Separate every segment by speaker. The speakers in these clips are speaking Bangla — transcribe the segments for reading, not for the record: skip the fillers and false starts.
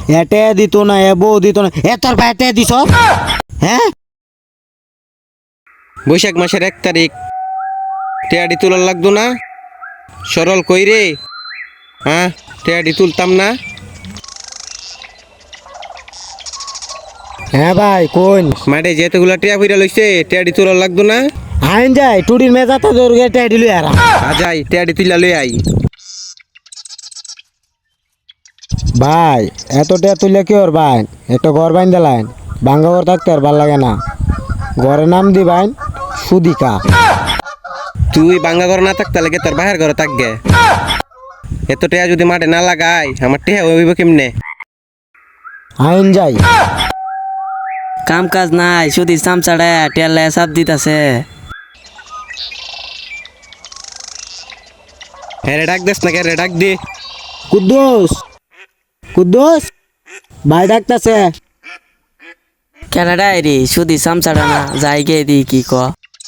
Speaker 1: এটে দিত না, এ বউ দিত না, এ তোর ভাই এটে দিছ? হ্যাঁ,
Speaker 2: বৈশাখ মাসের 1 তারিখ টেয়াডি তুলার লাগতো না? সরল কই রে? হ্যাঁ, টেয়াডি তুলতাম না?
Speaker 1: হ্যাঁ ভাই কোন
Speaker 2: মাঠে যেতেগুলা টেয়া ফিরা লইছে, টেয়াডি তুলার লাগতো না?
Speaker 1: আইন যাই টুডির মেজাতে তোর এটে দিল আর
Speaker 2: আজাই টেয়াডি তুলা লই আই।
Speaker 1: ভাই এতটা তুলে কি ওর ভাই একটা ঘর বাইন দিলাইন, ভাঙ্গা ঘর থাকতে আর ভাল লাগে না, ঘরের নাম দি বাইন সুদিকা।
Speaker 2: তুই বাঙ্গা ঘর না থাকতে লাগে তোর বাহির ঘরে থাকবে। এত টেয়া যদি মাঠে না লাগাই আমার টেয়া হইব কেমনে?
Speaker 1: আইন যাই
Speaker 3: কাম কাজ নাই, শুধু চামচাড়া টেলে সাপ দিতাছে।
Speaker 2: হ্যাঁ রে, ডাক দেস না কে রে, ডাক দে।
Speaker 1: কুদ্দুস, কুদ্দুস ভাই ডাকতেছে।
Speaker 3: কেনাডাই রে শুধু চামচাড়া না, যাই গে দি কি ক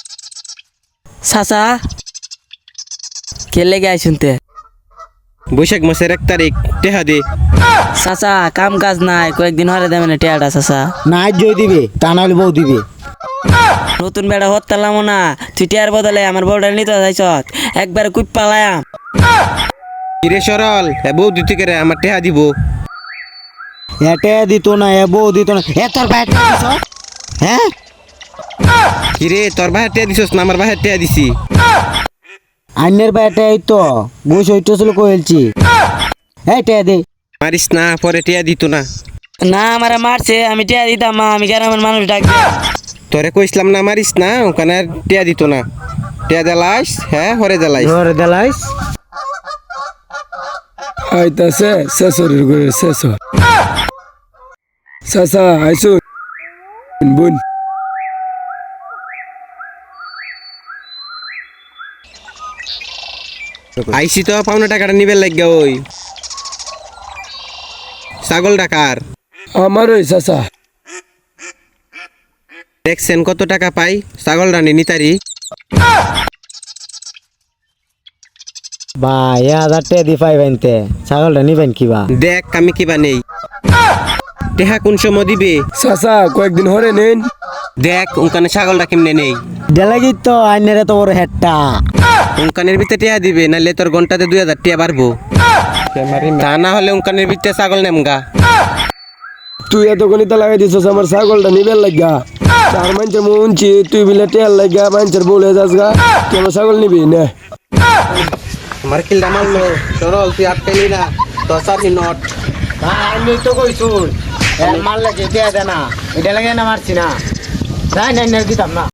Speaker 3: চাচা কেলে গাই শুনতে।
Speaker 2: বৈশাখ মাসের 1 তারিখ টেহা দে।
Speaker 3: চাচা কাম কাজ নাই, কয়েকদিন হরে দেবেন টেয়াটা চাচা।
Speaker 1: নাই জয় দিবে, তা নাহলে বউ দিবে।
Speaker 3: নতুন বেড়া হতালাম না, তুই টেয়ার বদলে আমার বউটা নিতে চাইছ, একবার কুপ পালায়াম।
Speaker 2: কিরে সরল, এ বউ দিতে কে রে, আমার টেহা দিব।
Speaker 1: এটে দিত না, এ বউ দিত না, এ তোর ভাই এটে দিছ? হ্যাঁ,
Speaker 2: কিরে তোর বাহির টেয়া দিছস না আমার বাহির টেয়া দিছি?
Speaker 1: আইনের ভাই এটে তো বই সইতেছিল কইলছি। এটে দে
Speaker 2: মারিস না, পরে টেয়া দিত না।
Speaker 3: না আমার মারছে, আমি টেয়া দিতাম মা, আমি গ্রামের মানুষ ডাক দিয়া।
Speaker 2: তোরে কইছিলাম না মারিস না, ওখানে আর টেয়া দিত না। টেয়া দেলাইস, হ্যাঁ হরে দেলাইস।
Speaker 1: ঘরে দেলাইস।
Speaker 4: আইতাছে শেষরের ঘরে শেষ চাচা আইসুন বোন।
Speaker 2: আইসি তো পাওনা টাকাটা নিবে লাগিয়া। ওই ছাগল ডাকার
Speaker 4: আমার ওই চাচা
Speaker 2: দেখছেন কত টাকা পাই ছাগল রানী নিতারি।
Speaker 1: ভাই 1000 টাকা দি পাইবেনতে ছাগলটা নিবেন কিবা?
Speaker 2: দেখ আমি কিবা নেই, টেহা কোন সময় দিবে?
Speaker 4: চাচা কয়েকদিন হরে নেন।
Speaker 2: দেখ ওখানে ছাগলটা কেমনে নেই।
Speaker 1: দেলাগি তো আইনের তো বড় হেডটা।
Speaker 2: উনকানের ভিতরে টিয়া দিবে, নাহলে তোর ঘন্টাতে 2000 টিয়া বাড়বো। তা না হলে উনকানের ভিতরে ছাগল নেমগা।
Speaker 4: তুই এত গণিতা লাগাই দিছস আমার ছাগলটা নিবেন লাগা। চার মানুষের মুনছি তুই বিলে টেয়ার লাগা মানুষের বলে যাস গা, তুই আমার ছাগল নিবি না?
Speaker 2: আমার কিলটা মারলো সরল, তুই আটকাইলি না। 10 নট
Speaker 1: আমি তো কইছুন মারলে যে দেয়া দে না, এটা লাগে না মারছি না, যাই না দিতাম না।